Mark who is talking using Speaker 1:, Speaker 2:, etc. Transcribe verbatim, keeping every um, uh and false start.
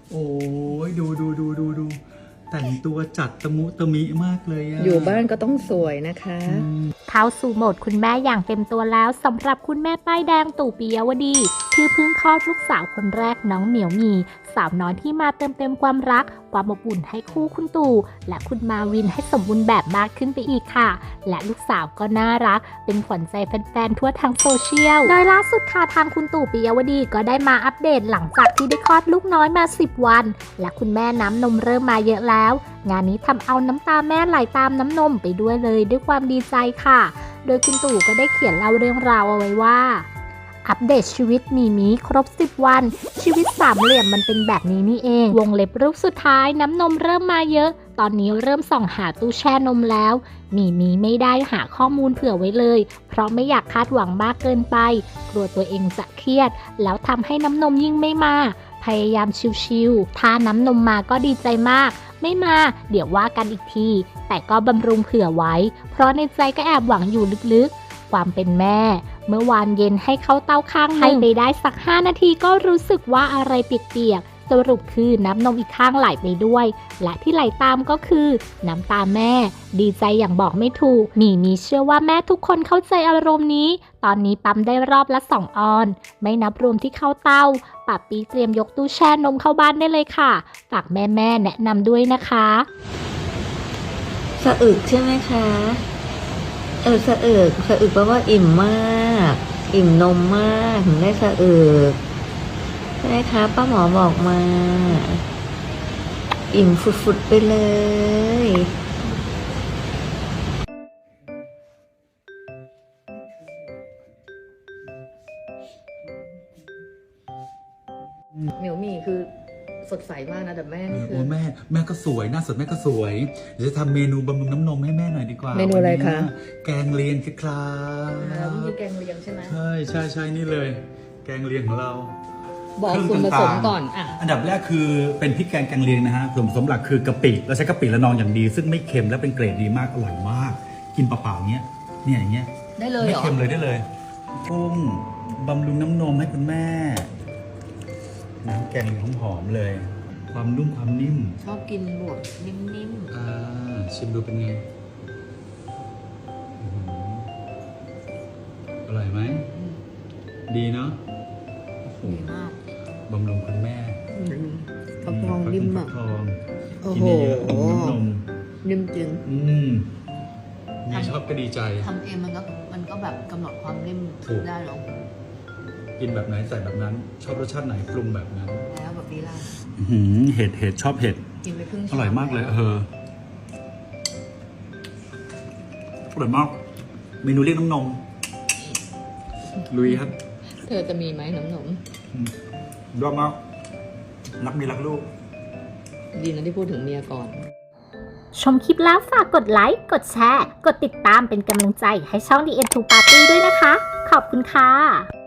Speaker 1: โอ้ยดูดูดูดูดูแต่งตัวจัดตะมุตะมิมากเลยอะ
Speaker 2: อยู่บ้านก็ต้องสวยนะคะ
Speaker 3: เข้าสู่โหมดคุณแม่อย่างเต็มตัวแล้วสำหรับคุณแม่ป้ายแดงตู่ปิยวดีที่เพิ่งคลอดลูกสาวคนแรกน้องเหมียวหมีสาวน้อยที่มาเติมเต็มความรักความอบอุ่นให้คู่คุณตู่และคุณมาวินให้สมบูรณ์แบบมากขึ้นไปอีกค่ะและลูกสาวก็น่ารักเป็นขวัญใจแฟนๆทั่วทั้งโซเชียลโดยล่าสุดค่ะทางคุณตู่ปิยวดีก็ได้มาอัปเดตหลังจากที่ได้คลอดลูกน้อยมาสิบวันและคุณแม่น้ำนมเริ่มมาเยอะแล้วงานนี้ทำเอาน้ำตาแม่ไหลตามน้ำนมไปด้วยเลยด้วยความดีใจค่ะโดยคุณตู่ก็ได้เขียนเล่าเรื่องราวเอาไว้ว่าอัปเดตชีวิตมีมีครบสิบวันชีวิตสามเหลี่ยมมันเป็นแบบนี้นี่เองวงเล็บรูปสุดท้ายน้ำนมเริ่มมาเยอะตอนนี้เริ่มส่องหาตู้แช่นมแล้วมีมีไม่ได้หาข้อมูลเผื่อไว้เลยเพราะไม่อยากคาดหวังมากเกินไปกลัวตัวเองจะเครียดแล้วทำให้น้ำนมยิ่งไม่มาพยายามชิวๆถ้าน้ำนมมาก็ดีใจมากไม่มาเดี๋ยวว่ากันอีกทีแต่ก็บำรุงเผื่อไว้เพราะในใจก็แอบหวังอยู่ลึกๆความเป็นแม่เมื่อวานเย็นให้เข้าเต้าข้างให้ไปได้สักห้านาทีก็รู้สึกว่าอะไรเปียกๆสรุปคือน้ำนมอีกข้างไหลไปด้วยและที่ไหลตามก็คือน้ำตาแม่ดีใจอย่างบอกไม่ถูกหมีมีเชื่อว่าแม่ทุกคนเข้าใจอารมณ์นี้ตอนนี้ปั๊มได้รอบละสองออนไม่นับรวมที่เข้าเต้าป้าปีเตรียมยกตู้แช่นมเข้าบ้านได้เลยค่ะฝากแม่ๆแนะนำด้วยนะคะ
Speaker 2: สะอึกใช่ไหมคะเออสะอึกสะอึกแปลว่าอิ่มมากอิ่มนมมากถึงได้สะอึกใช่ไหมคะป้าหมอบอกมาอิ่มฟุดๆไปเลยเหมียวหมี่คือสดใสมากนะแต่แม่นี่คือ
Speaker 1: โอ้แม่แม่ก็สวยหน้าสดแม่ก็สวยเดี๋ยวจะทำเมนูบำรุงน้ำนมให้แม่หน่อยดีกว่า
Speaker 2: เมนูอะไรคะ
Speaker 1: แกงเลียงครั
Speaker 2: แล้ว
Speaker 1: บ
Speaker 2: นี่แกงเลียงใช่ไหม
Speaker 1: ใช่ใช่ใช่นี่เลย แกงเลียงของเรา
Speaker 2: บอกส่วนผสมก่อนอ่ะ
Speaker 1: อันดับแรกคือเป็นพริกแกงแกงเลียงนะฮะส่วนผสมหลักคือกะปิเราใช้กะปิละนองอย่างดีซึ่งไม่เค็มและเป็นเกรดดีมากอร่อยมากกินเปล่าๆเงี้ยเนี่ยอย่างเงี้ย
Speaker 2: ได้เลย
Speaker 1: ไม่
Speaker 2: เหรอ
Speaker 1: เค็มเลยได้เลยกุ้งบำรุงน้ำนมให้คุณแม่น้ำแกงหอมๆเลยความนุ่มความนิ่ม
Speaker 2: ชอบกินบวกนิ่ม
Speaker 1: ๆอ่าชิมดูเป็นไงอร่อยไหมดีเนาะ
Speaker 2: ดีมาก
Speaker 1: บำรุงคุณแม่
Speaker 2: ฟักทองนิ่มอ่ะ
Speaker 1: กินเยอะๆน้ำนม
Speaker 2: นิ่มจริง
Speaker 1: อืมมีชอบก็ดีใจ
Speaker 2: ทำเองมันก็มันก็แบบกำหนดความนิ่มได้หรอ
Speaker 1: กินแบบไหนใส่แบบนั้นชอบรสชาติไหนปรุงแบบนั้น
Speaker 2: แล้วแบบนี้ล่ะ
Speaker 1: เห็ดเห็ดชอบเห็ด
Speaker 2: กินไปครึ่ง
Speaker 1: อร่อยมากเลยเอออร่อยมากเมนูเรียกน้ำนมลุยครับ
Speaker 2: เธอจะมีไหมน้ำนม
Speaker 1: ยอดมากรักเมียรักลูก
Speaker 2: ดีนะที่พูดถึงเมียก่อน
Speaker 3: ชมคลิปแล้วฝากกดไลค์กดแชร์กดติดตามเป็นกำลังใจให้ช่อง ดี เอ็น ทู Party ด้วยนะคะขอบคุณค่ะ